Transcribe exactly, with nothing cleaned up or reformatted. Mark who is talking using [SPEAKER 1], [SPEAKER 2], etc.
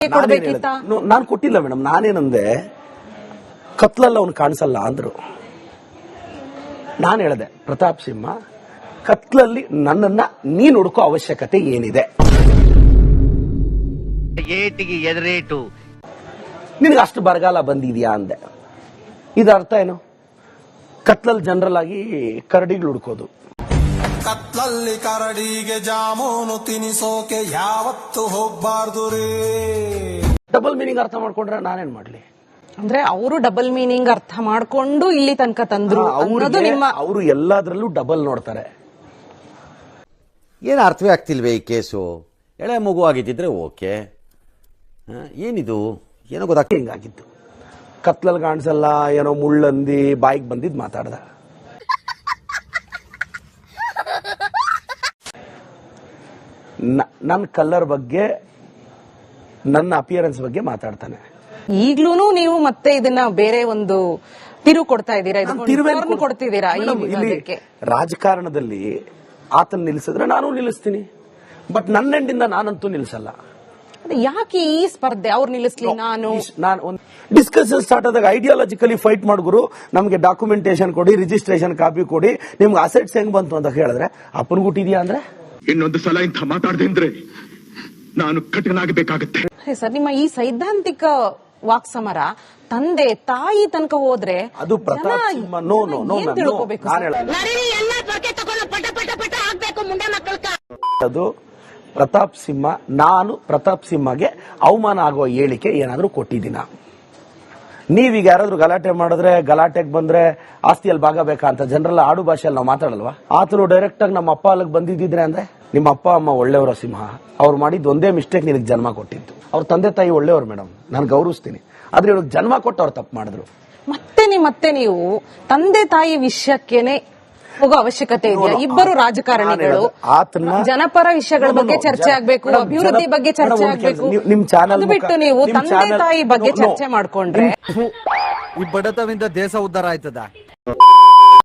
[SPEAKER 1] ನಾನು ಕೊಟ್ಟಿಲ್ಲ ಮೇಡಮ್. ನಾನೇನಂದೆ, ಕತ್ಲಲ್ಲಿ ಅವನು ಕಾಣಿಸಲ್ಲ ಅಂದ್ರು. ನಾನು ಹೇಳಿದೆ, ಪ್ರತಾಪ್ ಸಿಂಹ ಕತ್ಲಲ್ಲಿ ನನ್ನನ್ನ ನೀನ್ ಹುಡುಕೋ ಅವಶ್ಯಕತೆ ಏನಿದೆ?
[SPEAKER 2] ಏಟಿಗೆ ಎದುರೇಟು,
[SPEAKER 1] ನಿನಗೆ ಅಷ್ಟು ಬರಗಾಲ ಬಂದಿದ್ಯಾ ಅಂದೆ. ಇದರ ಅರ್ಥ ಏನು? ಕತ್ಲಲ್ಲಿ ಜನರಲ್ ಆಗಿ ಕರಡಿಗಳು ಹುಡುಕೋದು.
[SPEAKER 3] ಕತ್ಲಲ್ಲಿ ಕರಡಿಗೆ ಜಾಮೂನು ತಿನಿಸೋಕೆ ಯಾವತ್ತು ಹೋಗ್ಬಾರ್ದು ರೀ.
[SPEAKER 1] ಡಬಲ್ ಮೀನಿಂಗ್ ಅರ್ಥ ಮಾಡ್ಕೊಂಡ್ರೆ ನಾನೇನ್ ಮಾಡ್ಲಿ?
[SPEAKER 4] ಅಂದ್ರೆ ಅವರು ಡಬಲ್ ಮೀನಿಂಗ್ ಅರ್ಥ ಮಾಡ್ಕೊಂಡು ಇಲ್ಲಿ ತನಕ ತಂದ್ರು.
[SPEAKER 1] ಅವರು ಎಲ್ಲಾದ್ರಲ್ಲೂ ಡಬಲ್ ನೋಡ್ತಾರೆ.
[SPEAKER 5] ಏನು ಅರ್ಥವೇ ಆಗ್ತಿಲ್ವೇ ಈ ಕೇಸು? ಎಳೆ ಮಗು ಆಗಿದ್ದಿದ್ರೆ ಓಕೆ, ಏನಿದು ಏನೋ ಗೊತ್ತಾಗ್ತಿ.
[SPEAKER 1] ಹಿಂಗಾಗಿತ್ತು. ಕತ್ಲಲ್ಲಿ ಕಾಣಿಸಲ್ಲ, ಏನೋ ಮುಳ್ಳಂದಿ ಬಾಯಿಗೆ ಬಂದಿದ್ ಮಾತಾಡ್ದ. ನನ್ನ ಕಲರ್ ಬಗ್ಗೆ, ನನ್ನ ಅಪಿಯರೆನ್ಸ್ ಬಗ್ಗೆ ಮಾತಾಡ್ತಾನೆ.
[SPEAKER 4] ಈಗ್ಲೂ ನೀವು ಮತ್ತೆ ಇದನ್ನ ಬೇರೆ ಒಂದು ತಿರು ಕೊಡ್ತಾ ಇದ್ದೀರಾ, ಕೊಡ್ತಿದ್ದೀರಾ.
[SPEAKER 1] ರಾಜಕಾರಣದಲ್ಲಿ ಆತನ ನಿಲ್ಲಿಸಿದ್ರೆ ನಾನು ನಿಲ್ಲಿಸ್ತೀನಿ, ಬಟ್ ನನ್ನ ಎಂಡಿಂದ ನಾನಂತೂ ನಿಲ್ಲಿಸಲ್ಲ.
[SPEAKER 4] ಯಾಕೆ ಈ ಸ್ಪರ್ಧೆ? ಅವ್ರು ನಿಲ್ಲಿಸ್ಲಿ, ನಾನು
[SPEAKER 1] ನಾನು ಡಿಸ್ಕಷನ್ ಸ್ಟಾರ್ಟ್ ಆದಾಗ ಐಡಿಯಾಲಜಿಕಲಿ ಫೈಟ್ ಮಾಡಿದ್ರು. ನಮ್ಗೆ ಡಾಕ್ಯುಮೆಂಟೇಶನ್ ಕೊಡಿ, ರಿಜಿಸ್ಟ್ರೇಷನ್ ಕಾಪಿ ಕೊಡಿ, ನಿಮ್ಗೆ ಅಸೆಟ್ಸ್ ಹೆಂಗ್ ಬಂತು ಅಂತ ಹೇಳಿದ್ರೆ ಅಪ್ಪನ್ ಗುಟ್ಟಿದ್ಯಾ ಅಂದ್ರೆ
[SPEAKER 6] ಇನ್ನೊಂದು ಸಲ ಇಂಥ ಮಾತಾಡದೆ ಅಂದ್ರೆ ನಾನು ಕಠಿಣಾಗಬೇಕಾಗತ್ತೆ.
[SPEAKER 4] ಸರ್, ನಿಮ್ಮ ಈ ಸೈದ್ಧಾಂತಿಕ ವಾಕ್ಸಮರ ತಂದೆ ತಾಯಿ ತನಕ ಹೋದ್ರೆ
[SPEAKER 1] ಅದು Pratap Simha. No no no
[SPEAKER 4] ತಿಳ್ಕೋಬೇಕು.
[SPEAKER 1] ಅದು ಪ್ರತಾಪ್ ಸಿಂಹ. ನಾನು ಪ್ರತಾಪ್ ಸಿಂಹಗೆ ಅವಮಾನ ಆಗುವ ಹೇಳಿಕೆ ಏನಾದ್ರೂ ಕೊಟ್ಟಿದ್ದೀನ? ನೀವೀಗ ಯಾರಾದ್ರೂ ಗಲಾಟೆ ಮಾಡಿದ್ರೆ, ಗಲಾಟೆಗೆ ಬಂದ್ರೆ ಆಸ್ತಿಯಲ್ಲಿ ಭಾಗ ಬೇಕಾ ಅಂತ ಜನರಲ್ಲ ಆಡು ಭಾಷೆಯಲ್ಲಿ ನಾವು ಮಾತಾಡಲ್ವಾ? ಆತನು ಡೈರೆಕ್ಟ್ ಆಗಿ ನಮ್ಮ ಅಪ್ಪ ಅಲ್ಲಿಗೆ ಬಂದಿದ್ದಿದ್ರೆ ಅಂದ್ರೆ, ನಿಮ್ಮ ಅಪ್ಪ ಅಮ್ಮ ಒಳ್ಳೆಯವರ ಸಿಂಹ, ಅವ್ರು ಮಾಡಿದ್ದು ಒಂದೇ ಮಿಸ್ಟೇಕ್ ನಿನಗೆ ಜನ್ಮ ಕೊಟ್ಟಿತ್ತು. ಅವ್ರ ತಂದೆ ತಾಯಿ ಒಳ್ಳೆಯವರು ಮೇಡಮ್, ನಾನು ಗೌರವಿಸ್ತೀನಿ. ಆದ್ರೆ ಇವ್ರಿಗೆ ಜನ್ಮ ಕೊಟ್ಟು ಅವ್ರು ತಪ್ಪು ಮಾಡಿದ್ರು.
[SPEAKER 4] ಮತ್ತೆ ನೀವು ಮತ್ತೆ ನೀವು ತಂದೆ ತಾಯಿ ವಿಷಯಕ್ಕೇನೆ ಹೋಗೋ ಅವಶ್ಯಕತೆ ಇದೆಯಾ? ಇಬ್ಬರು ರಾಜಕಾರಣಿಗಳು ಜನಪರ ವಿಷಯಗಳ ಬಗ್ಗೆ ಚರ್ಚೆ ಆಗ್ಬೇಕು, ಅಭಿವೃದ್ಧಿ ಬಗ್ಗೆ ಚರ್ಚೆ ಆಗ್ಬೇಕು.
[SPEAKER 1] ನಿಮ್ ಚಾನಲ್
[SPEAKER 4] ಬಿಟ್ಟು ನೀವು ತಂದೆ ತಾಯಿ ಬಗ್ಗೆ ಚರ್ಚೆ ಮಾಡ್ಕೊಂಡ್ರೆ
[SPEAKER 2] ಈ ಬಡತವಿಂದ ದೇಶ ಉದ್ಧಾರ ಆಯ್ತದ?